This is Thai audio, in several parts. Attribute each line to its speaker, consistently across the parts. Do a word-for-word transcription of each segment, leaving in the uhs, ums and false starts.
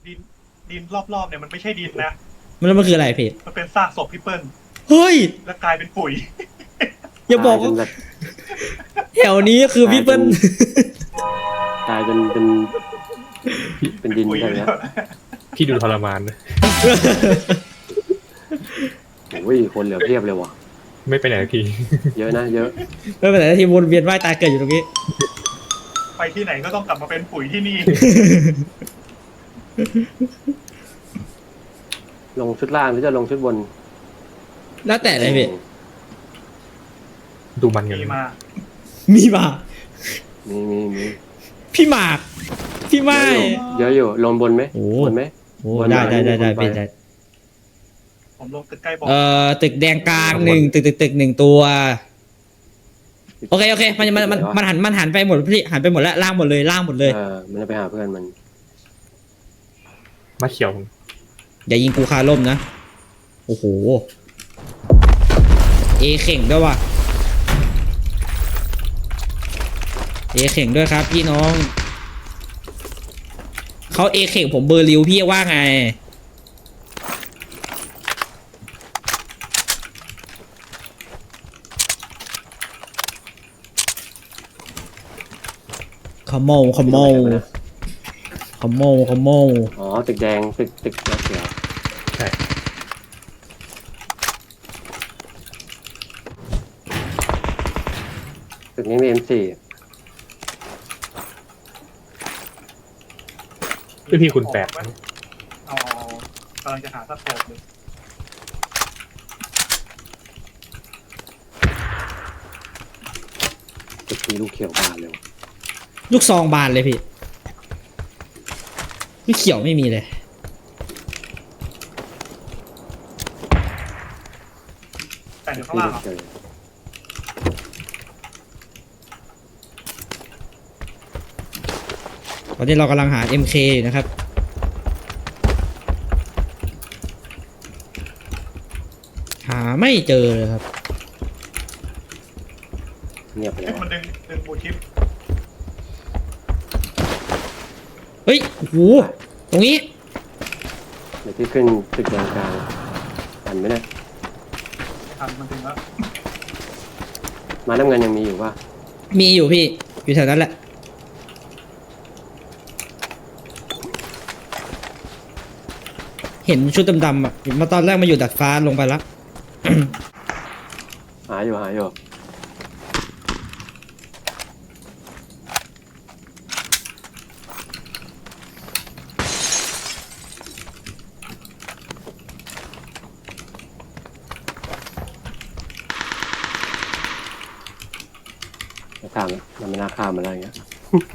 Speaker 1: ดินดินรอบๆเนี่ยมันไม่ใช่ดินนะ
Speaker 2: มันแล้วมันคืออะไรพี่
Speaker 1: มันเป็นซากศพพี่เปิ้ล
Speaker 2: เฮ้ย
Speaker 1: แล้วกลายเป็นปุ๋ย
Speaker 2: อย่าบอกว่าแถวนี้คือพี่เปิ้ล
Speaker 3: กลายเป็นเป็นเป็นดิน
Speaker 1: ปุ๋ย
Speaker 3: อะไร
Speaker 1: เล
Speaker 3: เงี้
Speaker 1: ย
Speaker 3: ย
Speaker 4: พี่ดูทรมานนะ
Speaker 3: โอ้ยคนเหลือเพียบเลยว่ะ
Speaker 4: ไม่ไปไหนสักที
Speaker 3: เยอะนะเยอะ
Speaker 2: ไม่เป็นไรที่วนเวียนว่ายตายเกิดอยู่ตรงนี้
Speaker 1: ไปที่ไหนก็ต้องกลับมาเป็นปุ๋ยที่นี่
Speaker 3: ลงชุดล่างหรือจะลงชุดบน
Speaker 2: แล้วแต่เลยพี่
Speaker 4: ดูมันกัน
Speaker 1: มีมา
Speaker 2: มีมา
Speaker 3: มีมีมี
Speaker 2: พี่หมากพี่ไม้
Speaker 3: เยอะอยู่ลงบนไหม
Speaker 2: โอ้
Speaker 3: บนไหม
Speaker 2: โอ้ได้ได้ได้ได้พี่ได้
Speaker 1: ผมลงตึกใกล้บอก
Speaker 2: เอ่อตึกแดงกลางหนึ่งตึกตึกตึกหนึ่งตัวโอเคโอเคมันมันมันมันหันมันหันไปหมดพี่หันไปหมดแล้วล่างหมดเลยล่างหมดเลย
Speaker 3: เออมันจะไปหาเพื่อนมัน
Speaker 4: มาเขียว
Speaker 2: อย่ายิงกูคาล่มนะโอ้โหเอเข่งด้วยว่ะเอเข่งด้วยครับพี่น้องเขาเอเข่งผมเบอร์ริวพี่ว่าไงขโมยขโมยขโมยขโมย
Speaker 3: อ๋อตึกแดงตึกตึกเขียว
Speaker 4: ใช่
Speaker 3: ตึกนี้มี เอ็ม สี่
Speaker 4: พี่พี่คุณแปด
Speaker 1: เอากำลังจะหาสโคปเลย
Speaker 3: ตึกนี้ลูกเขียวบานเลยว่ะ
Speaker 2: ลูกซองบานเลยพี่ลูกเขียวไม่มีเลย
Speaker 1: แต่เดี๋ยวข้าง
Speaker 3: ที่
Speaker 1: ล่าง
Speaker 3: ลูก
Speaker 1: อ่ะ
Speaker 3: เขียว
Speaker 2: ตอนนี้เรากำลังหา เอ็ม เค อยู่นะครับหาไม่เจอเลยครับ
Speaker 3: เงียบไป
Speaker 1: เฮ้
Speaker 3: แล้
Speaker 1: ยว มันดึงดึงบูชิป
Speaker 2: เฮ้ยโอ้โหตรงนี้
Speaker 3: เดี๋ยวที่ขึ้นตึกแดงกลางอันไหมเนี่ย
Speaker 1: ทันมันดึงแล้ว
Speaker 3: มาน้ำเงินยังมีอยู่ป่ะ
Speaker 2: มีอยู่พี่อยู่แถวนั้นแหละเห็นชุดดำๆอ่ะมาตอนแรกมาอยู่ดัดฟ้าลงไปแล้ว
Speaker 3: หาอยู่หาอยู่จะข้ามมันไม่น่าข้ามอะไรเงี้ย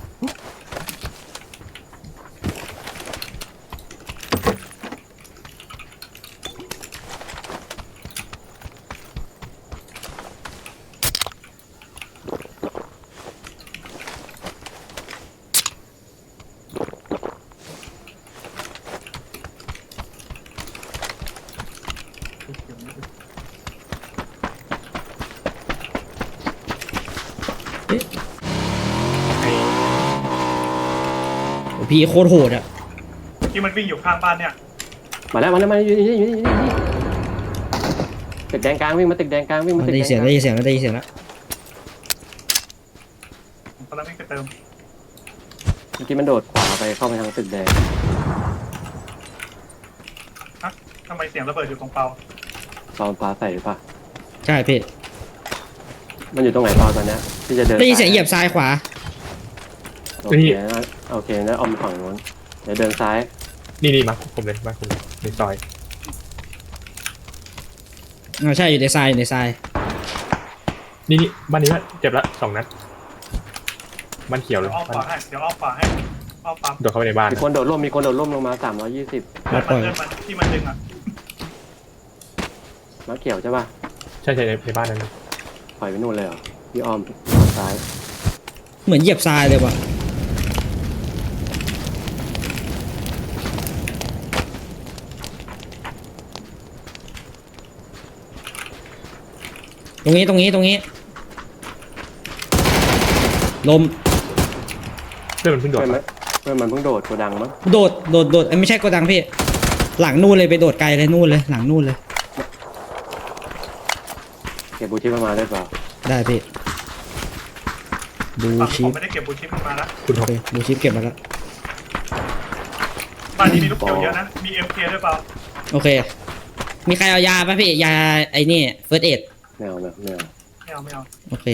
Speaker 2: โอ้พี่โคตรโหดอ่ะ
Speaker 1: ที่มันวิ่งอยู่ข้างบ้านเนี่ย
Speaker 3: มาแล้วมาแล้วมาอยู่นี่อยู่นี่อยู่นี่อยู่นี่ตึกแดงกลางวิ่งมาตึกแดงกลางวิ่งมาตึก
Speaker 2: ได้
Speaker 3: แด
Speaker 2: ยิน
Speaker 3: ง
Speaker 2: เสียง
Speaker 3: กลาง
Speaker 2: ได้ยินเสียงแล้วได้ยินเสียงแล้ว
Speaker 1: ผมกำลังวิ่งไปเติม
Speaker 3: เมื่อกี้มันโดดขวาไปเข้าไปทางตึกแดง
Speaker 1: ฮะทำไมเสียงระเบิดอยู่ตรงเปา
Speaker 3: ตอนฟ้าใส่หรือปะ
Speaker 2: ใช่พี่
Speaker 3: มันอยู่ตรงไหนตอนตอนเนี้ยที่จะเดิน
Speaker 2: ได้ยินเสียงเหยียบซ้ายขวา
Speaker 3: โอเคนะโอเคแล้วออมฝั่งนู้นเดี๋ยวเดินซ้าย
Speaker 4: นี่นี่มาผมเลยมาผมในซอย
Speaker 2: อ่าใช่อยู่ในทรายอยู่ในทราย
Speaker 4: นี่นี่บ้านนี้ว่าเจ็บละสองนัดบ้านเขียวเล
Speaker 1: เดี๋ย
Speaker 4: ยว
Speaker 1: อ้อมขวาให้เดี๋ยวอ้อมขวาให้อ้อมปั๊ม
Speaker 4: โดดเข้าไปในบ้าน
Speaker 3: มีคนโดดร่มมีคนโดดร่มลงมาสามร้อยยี่สิบ
Speaker 1: เลื่อนมันเลื่อนมันที่มันดึงอ่ะ
Speaker 3: ม้าเขียวใช่ป่ะ
Speaker 4: ใช่ใช่ในในบ้านนั้น
Speaker 3: ถอยไปนู่นเลยเหรอพี่อ้อมอ้อมซ้าย
Speaker 2: เหมือนเหยียบทรายเลยว่ะตรงนี้ตรงนี้ตรงนี้ลม
Speaker 4: เพื่อนมันเพิ่งโดด
Speaker 3: ใช่ไหม
Speaker 4: มา
Speaker 3: เพื่อนมันเพิ่งโดดโกดังมั้ง
Speaker 2: โดดโดดโดดเอ้ยไม่ใช่โกดังพี่หลังนู่นเลยไปโดดไกลเลยนู่นเลยหลังนู่นเลย
Speaker 3: เก็บบูชิปมาได้เปล่า
Speaker 2: ได้พี่บู
Speaker 1: ฝั่ง
Speaker 2: ชิ
Speaker 1: ผ
Speaker 2: ป
Speaker 1: มไม่ได้เก็บบูชิปมันมานะ
Speaker 4: คุณ
Speaker 2: โอ
Speaker 4: ทบ
Speaker 2: เคบูชิปเก็บมาแล้ว
Speaker 1: บ้านนี้มีลูกเขียวเยอะนะมีเอ็มเคด้วยเปล่า
Speaker 2: โอเค มีใครเอายาป่ะพี่ยาไอ้นี่เฟิร์สเอ็ด
Speaker 3: ไม่เอาไม่เอาไม่เอา
Speaker 1: ไม่เอาไม่เอา
Speaker 2: โอเค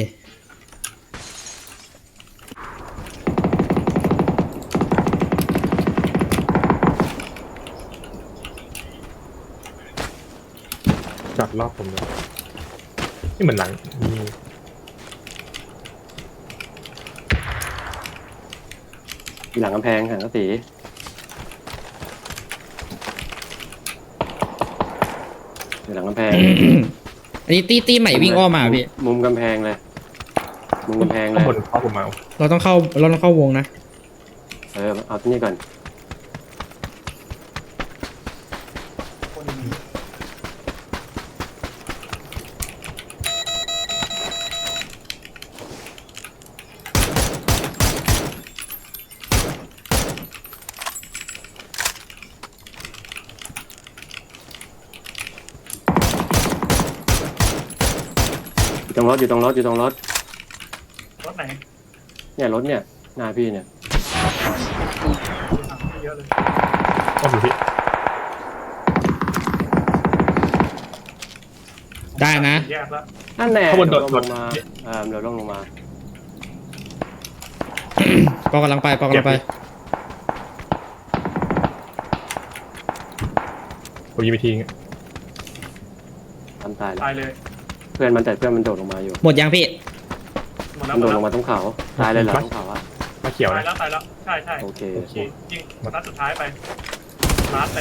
Speaker 4: จอดรอบผมเลยนี่เหมือนหลังมี
Speaker 3: อยู่หลังกำแพงหันกระสีอยู่หลังกำแพง
Speaker 2: อันนี้ตีตีใหม่วิ่งอ้อมมาพี่
Speaker 3: มุมกำแพงเลย มุมกำแพงเล
Speaker 4: ข้าง
Speaker 3: ย
Speaker 4: บนเข้าผมมา
Speaker 2: เราต้องเข้าเราต้องเข้าวงนะ
Speaker 3: เออเอาที่นี่ก่อน
Speaker 1: คนนี้
Speaker 3: อยู่ตรงรถอยู่ตรงรถอยู่ตรงรถ
Speaker 1: รถไหน
Speaker 3: เนี่ยรถเนี่ยหน้าพี่เนี่ย
Speaker 1: ดูหนังไม่เยอะเลย
Speaker 4: ก็อยู่ที่
Speaker 2: ได้นะ
Speaker 1: แยกแล้ว
Speaker 3: นั่นแน่
Speaker 4: ข้างบนโดด
Speaker 3: เยว
Speaker 4: โด
Speaker 3: ล
Speaker 4: ด
Speaker 3: งมาเออเดี๋ยวลงลงมา
Speaker 2: ปอกำลังไปปอกำลังไป
Speaker 4: ผมยิงไปที
Speaker 3: ทำตายแล้ว
Speaker 1: ตายเลย
Speaker 3: เพื่อนมันแต่เพื่อนมันโดดลงมาอยู่
Speaker 2: หมดยังพี่
Speaker 1: หมดแล้
Speaker 3: มั
Speaker 1: วน หม
Speaker 3: โด
Speaker 1: ด
Speaker 3: ด
Speaker 1: แล้
Speaker 3: ล
Speaker 1: ว
Speaker 3: งมาตรงเขาตายเลยเหรอตรงเขาอะ
Speaker 4: มาเขียว
Speaker 1: ตาย
Speaker 4: นะ
Speaker 1: แล้วตายแล้วใช่ใช่
Speaker 3: โอเค
Speaker 1: โอเคยิงนัดสุดท้ายไปลาดไป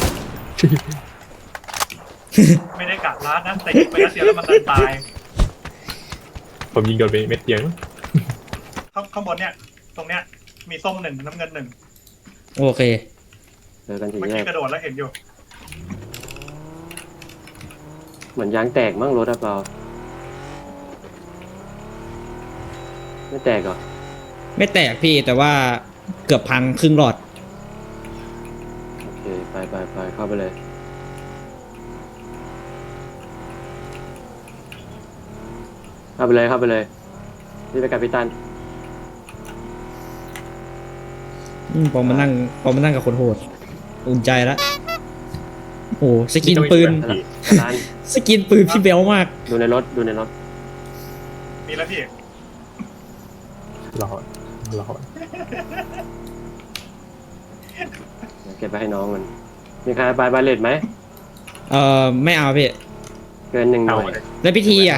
Speaker 1: ไม่ได้กะลาดนะแต่ยิงไปนัดเดียวแล้วมันดันตาย
Speaker 4: ผมยิงโดนไปเม็ดเดียว
Speaker 1: ข้างข้างบนเนี่ย ตรงเนี้ยมีส้มหนึ่งน้ำเงินหนึ่ง
Speaker 2: โอเค
Speaker 3: เจอกันที
Speaker 1: เมื่อ
Speaker 3: แร
Speaker 1: กี้
Speaker 3: ก
Speaker 1: กระโดดแล้วเห็นอยู่
Speaker 3: เหมือนยางแตกมั่งรถอะเปล่าไม่แตกเหรอ
Speaker 2: ไม่แตกพี่แต่ว่าเกือบพังครึ่งหลอด
Speaker 3: โอเคไปไปไปเข้าไปเลยเข้าไปเลยเข้าไปเลยนี่ไปกับพี่ตัน
Speaker 2: อืมพอมานั่งพอมานั่งกับคนโหดอุ่นใจละโอ้สกินปืน
Speaker 3: ร้าน
Speaker 2: สกินปืนพี่เบลมาก
Speaker 3: ดูในรถดูในรถ
Speaker 1: มีแล้วพี่
Speaker 4: รอรอ
Speaker 3: เดี๋ยวเก็บไปให้น้องมันมีใครไปบาเลตไหม
Speaker 2: เอ่อไม่เอาพี่
Speaker 3: เกินหนึ่งห
Speaker 4: เอา
Speaker 3: น่วย
Speaker 4: เลย
Speaker 2: แล้วพิธีอ่ะ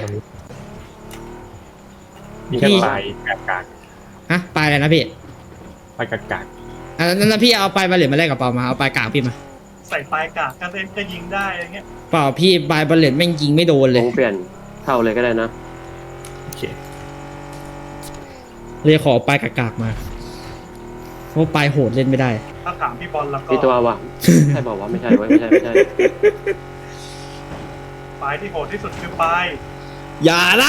Speaker 4: มีแค่ปลายกากาก
Speaker 2: ฮะปลายอะไรนะพี่
Speaker 4: ปลายกากาก
Speaker 2: อ่ะนั้นพี่เอาปลายบาเลตมาแลกกับเปล่ามาเอาปลายกากพี่มา
Speaker 1: ใส่ปลายกากก็เล่นก็ยิงได้อะไรเงี้ย
Speaker 2: เปล่าพี่ปลายบาเลตแม่งยิงไม่โดนเล
Speaker 3: ล
Speaker 2: ย
Speaker 3: งเปลี่ยนเท่าเลยก็ได้นะ
Speaker 4: โอเค
Speaker 2: เลยขอปลายกากๆมาเพราะปลายโหดเล่นไม่ได้
Speaker 1: ถ้าถามพี่บอลแล้วก็
Speaker 3: พี่ตัววะใช่บอกว่าไม่ใช่เว้ยไม่ใช่ไม่ใช่
Speaker 1: ปลายที่โหดที่สุดคือปลาย
Speaker 2: อย่านะ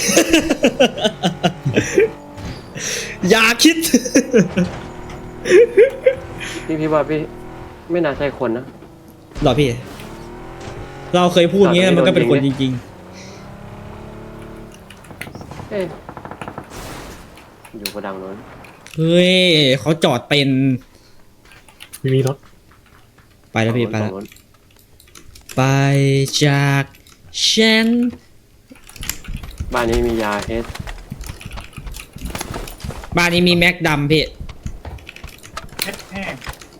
Speaker 2: อย่าคิด
Speaker 3: พี่พี่ว่าพี่ไม่น่าใช่คนนะ
Speaker 2: หรอพี่ เราเคยพูดงี้มันก็เป็นคนจริง
Speaker 3: เอ๊ะอยู่กระดังโน้น
Speaker 2: ๆ เฮ้ยเขาจอดเป็น
Speaker 4: มีมีรถ
Speaker 2: ไปแล้วพี่ไป
Speaker 3: ฝั่
Speaker 2: แล้ว
Speaker 3: งโน้น
Speaker 2: ไปจากฉัน
Speaker 3: บ้านนี้มียาเฮด
Speaker 2: บ้านนี้มีแม็กดำพี่
Speaker 1: เพชรแห้ง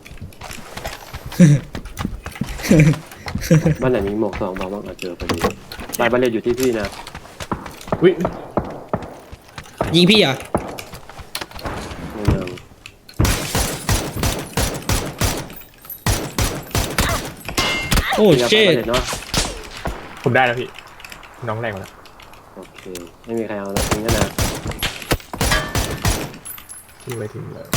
Speaker 3: บ้านไหนมีหมวกสองบอกว่าเราเจอพอดีบ้านบาเลตอยู่ที่พี่นะ
Speaker 4: อุ้ย
Speaker 2: ยิงพี่เหรอ
Speaker 3: ในเมือง
Speaker 2: โอ้
Speaker 3: พี่รับ
Speaker 2: เชิ
Speaker 3: บ้าน
Speaker 2: ด
Speaker 3: บาเลตเนาะ
Speaker 4: ผมได้แล้วพี่น้องแรงมาแล้ว
Speaker 3: โอเคไม่มีใครเอาแล้วทิ้งกันนะ
Speaker 4: ทิ้งไว้ทิ้งเลย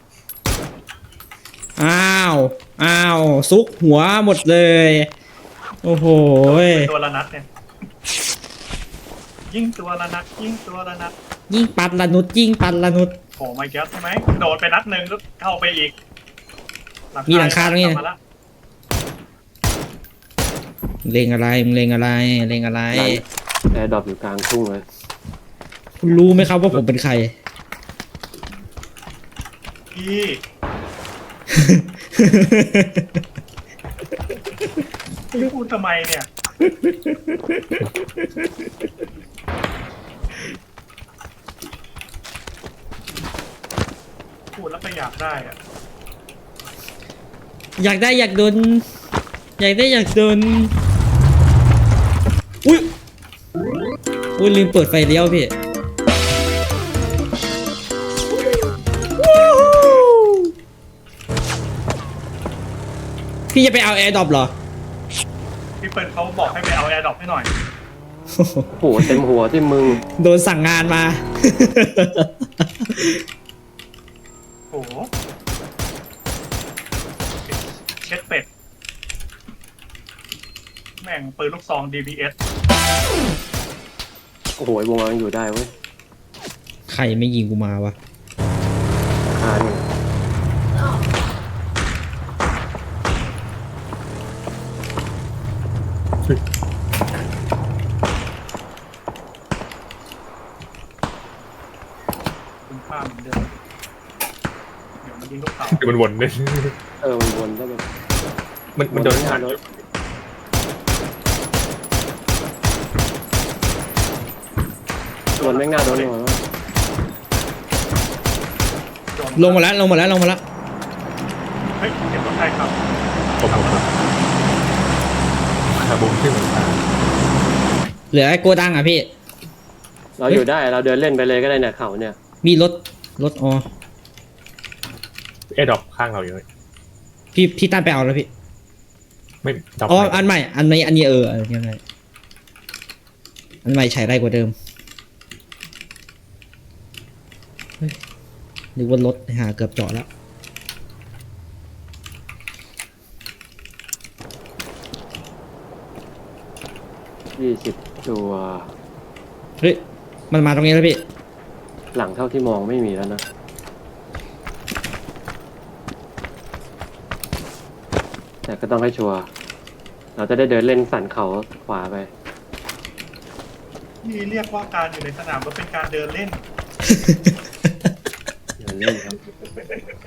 Speaker 2: อ้าวอ้าวซุกหัวหมดเลย โอ้โหย
Speaker 1: ตัวละนัดเนี่ย ยิงตัวละนัดยิงตัวละนัด
Speaker 2: ยิ่งปัดละนุดยิ่งปัดละนุด
Speaker 1: โผล่มาเยอะใช่ไหมโดนไปนัดหนึ่งก็เข้าไปอีก
Speaker 2: มีหลังคาตรงนี้
Speaker 1: กลับมาละ
Speaker 2: เลงอะไรมึงเลงอะไรเลงอะไร
Speaker 3: แอร์ดรอปอยู่กลางทุ่งเลย
Speaker 2: คุณรู้ไหมครับว่าผมเป็นใคร
Speaker 1: พี่พี่พูดทำไมเนี่ยพูดแล้วก็อยากได้อะ
Speaker 2: อยากได้อยากโดนอยากได้อยากโดนอุ้ยอุ้ยลืมเปิดไฟเลี้ยวพี่พี่จะไปเอาแอร์ดรอปเหรอ
Speaker 1: พี่เปิ้ลเขาบอกให้ไปเอาแอร์ดรอปให้หน่อย
Speaker 3: โอ้โหเต็มหัวที่มึง
Speaker 2: โดนสั่งงานมา
Speaker 1: โอ้โหเช็ดเป็ด แม่งปืนลูกซอง ดี บี เอส
Speaker 3: โอ้โหวงยังอยู่ได้เว้ย
Speaker 2: ใครไม่ยิงกูมาวะ
Speaker 3: คานี่
Speaker 1: คุณค่าเหมือนเดิมเดี๋ยวมันยิงลูกเต๋า
Speaker 4: คือมันวนเลย
Speaker 3: เออมันวนได้เลย
Speaker 4: มันมันโดน
Speaker 3: วน
Speaker 4: ผ่าน
Speaker 3: ไม่
Speaker 4: อ
Speaker 3: ได้
Speaker 4: ยู่
Speaker 3: วนไม่งน่าโดนหัว
Speaker 1: โดน
Speaker 2: ลงมาแล้วลงมาแล้วลงมาแล้ว
Speaker 1: เฮ้ยเดี๋ยวรถไฟขับ
Speaker 4: ผมผมผมขาบุ้งขึ้นเหมือนกัน
Speaker 2: เหลือไอ้โกดังอ่ะพี่
Speaker 3: เราอยู่ได้เราเดินเล่นไปเลยก็ได้เนี่ยเขาเนี่ย
Speaker 2: มีรถรถอ๋อ
Speaker 4: เอดอกข้างเราอยู่เลย
Speaker 2: พี่พี่ตั้นไปเอาแล้วพี่
Speaker 4: ไม่ดอก
Speaker 2: อ๋อ
Speaker 4: ไม่
Speaker 2: อันใหม่อันนี้อันนี้เอออันนี้อะไรอันใหม่ใช้ได้กว่าเดิมเฮ้ยนึกว่ารถหาเกือบเจาะแล้ว
Speaker 3: ยี่สิบตัว
Speaker 2: เฮ้ยมันมาตรงนี้แล้วพี่
Speaker 3: หลังเท่าที่มองไม่มีแล้วนะแต่ก็ต้องให้ชัวร์เราจะได้เดินเล่นสันเขาขวาไป
Speaker 1: นี่เรียกว่าการอยู่ในสนามรถเป็นการเดินเล่น
Speaker 3: เดินเล่นครับ
Speaker 1: ตอน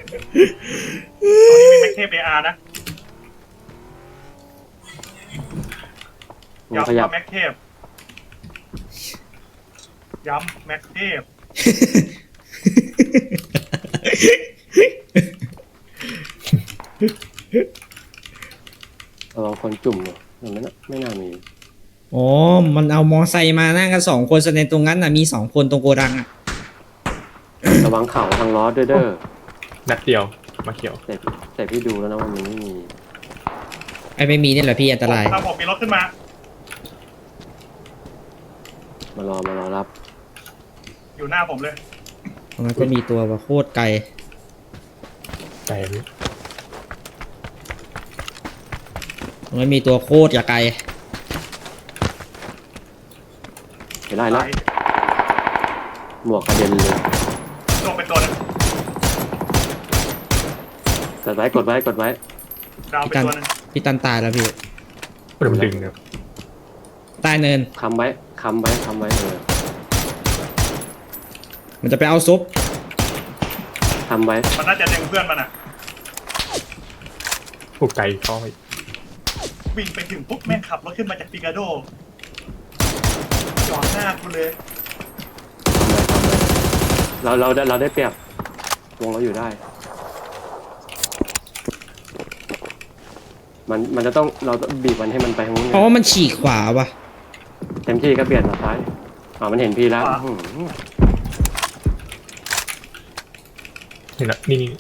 Speaker 1: นี้มีแม็กเทปเออาร์นะ
Speaker 3: มึง
Speaker 1: ย้ำ
Speaker 3: ขยับ
Speaker 1: ว่าแม็กเทปย้ำแม็กเทป
Speaker 3: ระวังคนจุ่มเนี่ยมันไม่น่าไม่น่ามี
Speaker 2: อ๋อมันเอามอไซค์มานั่งกันสองคนแสดงตรงนั้นน่ะมีสองคนตรงโกดังอ่ะ
Speaker 3: ระวังเข่าทางล้อด้วยเด้อ
Speaker 4: นัดเดียวมาเขียว
Speaker 3: แต่แต่พี่ดูแล้วนะว่ามันไม่มี
Speaker 2: ไอ้ไม่มีนี่แหละพี่อันตราย
Speaker 1: ถ้าผมมีรถขึ้นมา
Speaker 3: มารอมารอรับ
Speaker 1: อยู่หน้าผมเลย
Speaker 2: ตรงนั้นก็มีตัวว่าโคตรไกล
Speaker 4: ใจพี่
Speaker 2: ตรงนั้นมีตัวโคตรอย่าไกล
Speaker 3: เห็นได้แล้วหมวกกระเด็นเลย
Speaker 1: ลงเป็นตัวหนึง
Speaker 3: กดไว้กดไว้กดไว้
Speaker 1: ดาวเป็นตัวหนึง
Speaker 2: พี่ตันตายแล้วพี่
Speaker 4: มันดึงครับ
Speaker 2: ใต้เนิน
Speaker 3: ค้ำไว้ค้ำไว้ค้ำไว้เออ
Speaker 2: มันจะไปเอาซุป
Speaker 3: ค้ำไว้
Speaker 1: มันน่าจะดึงเพื่อนมันอ่ะ
Speaker 4: ผูกไกลเข้าไป
Speaker 1: วิ่งไปถึงปุ๊บแม่งขับรถขึ้นมาจากปิกาโดจอดหน้ากูเลย
Speaker 3: เราเราได้เราได้เปรียบวงเราอยู่ได้ มันมันจะต้องเราต้องบีบมันให้มันไปทางนู้นไง
Speaker 2: เพราะว่ามันฉีกขวาว่ะ
Speaker 3: เต็มที่ก็เปลี่ยนมาซ้ายอ๋อมันเห็นพี่แล้วอื้อหือ
Speaker 4: เห็นละนี่นี่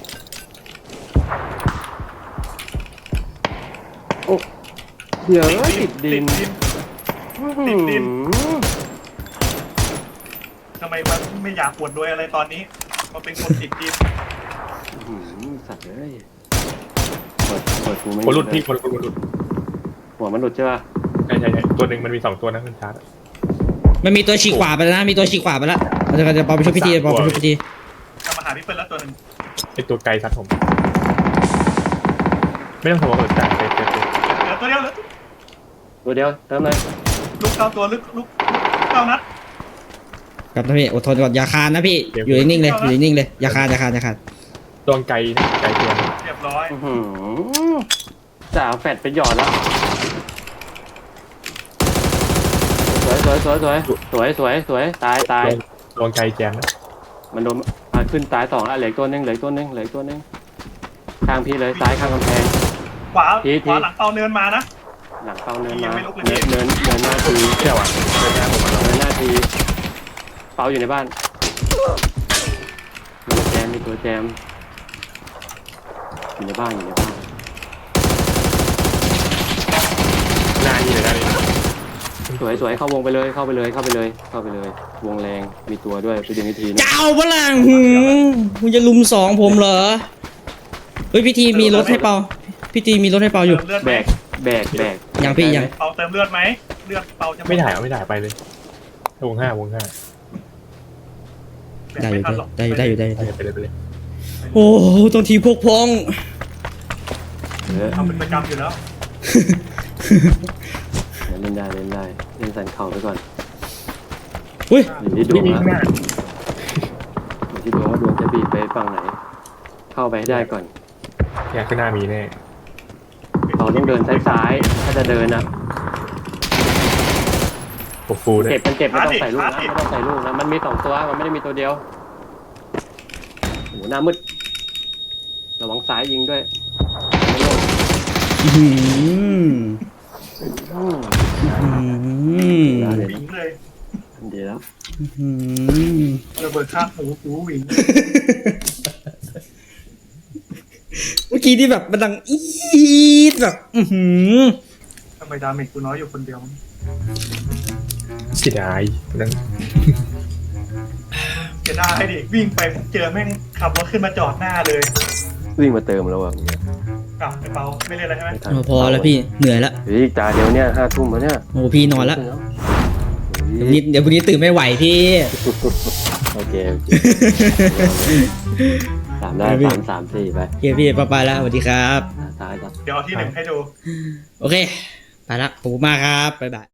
Speaker 3: โอ้เดี๋ยวติดดิน
Speaker 1: ติด
Speaker 3: อื้อหือ
Speaker 1: ทำไมมันไม่อยากปวดด้วยอะไรตอนนี้มันเป็นคนติดดิน
Speaker 3: อื้อหือสัตว์เลยเปิดเปิดกูไม่
Speaker 4: คนรุดพี่คนคนรุด
Speaker 3: หัวมันหลุดใช่ป่ะ
Speaker 4: ใช่ใช่ใช่ตัวหนึ่งมันมีสองตัวนะคุณชาร์จ
Speaker 2: มันมีตัวฉีกขวาไปแล้วนะมีตัวฉีกขวาไปแล้วเดี๋ยวเดี๋ยวเปาไปช่วยพี่ทีเปาไปช่วยพี่ที
Speaker 1: กลับมาหาพี่เปิ้ลแล้วตัวหนึ่ง
Speaker 4: ไอตัวไกลซัดผม ไม่ต้องห่วงหรอกจ่ายไปเต็ม
Speaker 1: เหลือตัวเดียวเหลือ
Speaker 3: ตัวเดียวเติมเลย
Speaker 1: ลูกเก้าตัวลึกลูกเก้านัด
Speaker 2: ครับนะพี่อดทนก่อนอย่าคานนะพี่อยู่นิ่งๆเลยอยู่นิ่งๆเลยอย่าคานอย่าคานอย่าคาน
Speaker 4: ตัวไกลนะไกลตัว
Speaker 1: เรียบร้อย
Speaker 3: อื้อหือจ่าเอาแฟดไปหยอดแล้วสวยสวยสวยสวยสวยสวยสวยตายตาย
Speaker 4: ตัวไกลแจมนะ
Speaker 3: มันโดนอ่ะขึ้นตายสองแล้วเหลืออกตัวหนึงเหลืออกตัวหนึงเหลืออกตัวหนึงข้างพี่เลยซ้ายข้างกำแพง
Speaker 1: ขวา
Speaker 3: ทีที
Speaker 1: ขวาหลังเตาเนินมานะ
Speaker 3: หลังเป้าเนิน
Speaker 1: ยั
Speaker 3: มาง
Speaker 1: ไม่ลุกเลย
Speaker 3: เนินเนินเนินหน้าที
Speaker 4: เที่ยวอ่ะเดินหน้าผมมาแล้ว
Speaker 3: เนินหน้าทีเป้าอยู่ในบ้านมีตัวแจมมีตัวแจมอยู่ในบ้านอยู่ในบ้าน
Speaker 4: หน้านี่เลยได้เลย
Speaker 3: สวยสวยเข้าวงไปเลยเข้าไปเลยเข้าไปเลยเข้าไปเลย วงแรงมีตัวด้วยไปดึงอีกทีนึง
Speaker 2: เจ้าพลังหืมคุณจะลุมสองผมเหรอเฮ้ยพี่ทีมีรถให้เปาพี่ทีมีรถให้เปาอยู่
Speaker 1: เติมเลือด
Speaker 3: แบ
Speaker 1: ไหม
Speaker 3: กแบกแบก
Speaker 2: ยังพี่ยัง
Speaker 1: เปาเติมเลือดไหมเลือดเปาจะห
Speaker 4: ไม่ถ่ายเอาไม่ถ่ายไปเลยวงห้าวงห้า
Speaker 2: ได้อยู่ได้อยู่ได้อยู่ได้อยู่
Speaker 4: ไป
Speaker 2: ได้อยู่
Speaker 4: เลยไปเลยไปเลย
Speaker 2: โอ้ต้องทีพวกพ้อง
Speaker 3: เออ
Speaker 1: ทำเป็นประจำอยู่แล้ว
Speaker 3: เล่นได้เล่นได้เล่นสันเข่าไปก่อน
Speaker 2: อุ้ย
Speaker 3: อยู่ที่ดว
Speaker 4: นี่
Speaker 3: ง
Speaker 4: นี่
Speaker 3: นะ
Speaker 4: ข้างหน้า
Speaker 3: อยู่ที่ดวงว่าดวงจะบีบไปฝั่งไหน เข้าไปให้ได้ก่อน
Speaker 4: เนี่ยข้างหน้ามีแน่
Speaker 3: เราต้องเดินซ้ายๆถ้าจะเดินนะ
Speaker 4: ปกฟูด้วย
Speaker 3: เจ็บมันเจ็บไม่ต้องใส่ลูกนะไม่ต้องใส่ลูกนะมันมีสองตัวมันไม่ได้มีตัวเดียวโอ้โหหน้ามืดระวังซ้ายยิงด้วยไม่โล่ง
Speaker 2: อื้อหือ
Speaker 3: อืม
Speaker 2: อื้อ
Speaker 3: แล้ว
Speaker 2: หือ
Speaker 3: เดี๋ยว
Speaker 1: วิ่งเลย
Speaker 3: ดีแล้ว
Speaker 2: อื้อหือ
Speaker 1: ระเบิดข้างหูหูวิ่ง
Speaker 2: เมื่อกี้ที่แบบมันดังอีดแบบอือหือ
Speaker 1: ทำไมดาเมจกูน้อยอยู่คนเดียว
Speaker 4: เสียดายนั่น
Speaker 1: เสียดายดิวิ่งไปผมเจอแม่งขับรถขึ้นมาจอดหน้าเลย
Speaker 3: วิ่งมาเติมแล้วอ่ะ
Speaker 1: กลับไปเปาไม่เล่นอะไรใช่ไหม
Speaker 3: ไม่ทัน
Speaker 2: เอาพอแล้วพี่เหนื่อยแล้ว
Speaker 3: เฮ้ยจ่าเดี๋ยวเนี้ยห้าทุ่มแล้วเนี่ย
Speaker 2: โอ้พี่นอนแล้ว
Speaker 3: เฮ้
Speaker 2: เดี๋ยวย นี้เดี๋ยวพรุ่งนี้ตื่นไม่ไหวพี่
Speaker 3: โอเคโอเคสามได้สามสามสี่ไป
Speaker 2: โอเคพี่ไปไปแล้วสวัสดีครับ
Speaker 3: ซ้ายครับ
Speaker 1: เดี๋ยวเอาที่หนึ่งให้ดู
Speaker 2: โอเค ไปละขอบคุณมากครับบ๊ายบาย